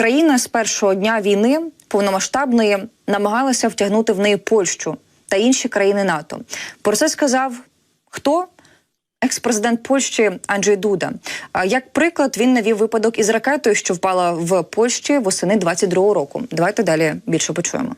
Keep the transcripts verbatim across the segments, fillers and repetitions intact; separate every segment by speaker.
Speaker 1: Україна з першого дня війни повномасштабної намагалася втягнути в неї Польщу та інші країни НАТО. Про це сказав хто? Екс-президент Польщі Анджей Дуда. Як приклад, він навів випадок із ракетою, що впала в Польщі восени двадцять другого року. Давайте далі більше почуємо.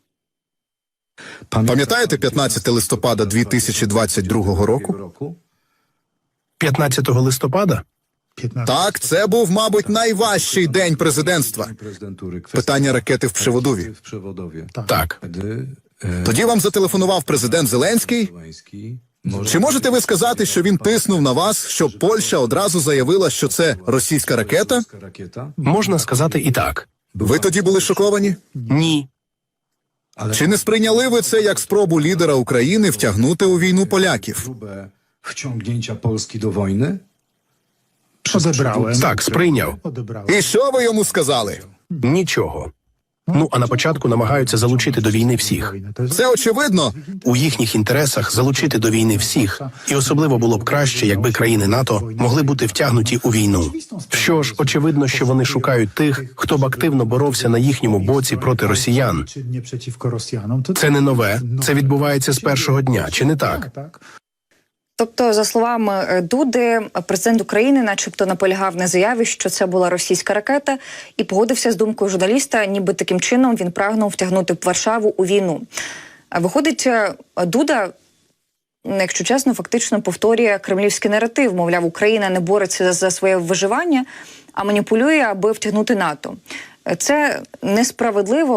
Speaker 2: Пам'ятаєте п'ятнадцятого листопада дві тисячі двадцять другого року?
Speaker 3: п'ятнадцятого листопада?
Speaker 2: Так, це був, мабуть, найважчий день президентства. Питання ракети в Пшеводові.
Speaker 3: Так.
Speaker 2: Тоді вам зателефонував президент Зеленський. Чи можете ви сказати, що він тиснув на вас, щоб Польща одразу заявила, що це російська ракета?
Speaker 3: Можна сказати і так.
Speaker 2: Ви тоді були шоковані?
Speaker 3: Ні.
Speaker 2: Чи не сприйняли ви це як спробу лідера України втягнути у війну поляків?
Speaker 4: Wciągnięcia Polski do wojny?
Speaker 5: Odebrałem.
Speaker 3: Так, сприйняв.
Speaker 5: Odebrałem.
Speaker 2: І що ви йому сказали?
Speaker 3: Нічого. Ну, а на початку намагаються залучити до війни всіх.
Speaker 2: Це очевидно.
Speaker 3: У їхніх інтересах залучити до війни всіх. І особливо було б краще, якби країни НАТО могли бути втягнуті у війну. Що ж, очевидно, що вони шукають тих, хто б активно боровся на їхньому боці проти росіян.
Speaker 5: Czynnie przeciwko Rosjanom. To
Speaker 3: Це не нове, це відбувається з першого дня, чи не так?
Speaker 5: tak.
Speaker 1: Тобто, за словами Дуди, президент України начебто наполягав на заяві, що це була російська ракета, і погодився з думкою журналіста, ніби таким чином він прагнув втягнути Варшаву у війну. Виходить, Дуда, якщо чесно, фактично повторює кремлівський наратив. Мовляв, Україна не бореться за своє виживання, а маніпулює, аби втягнути НАТО. Це несправедливо.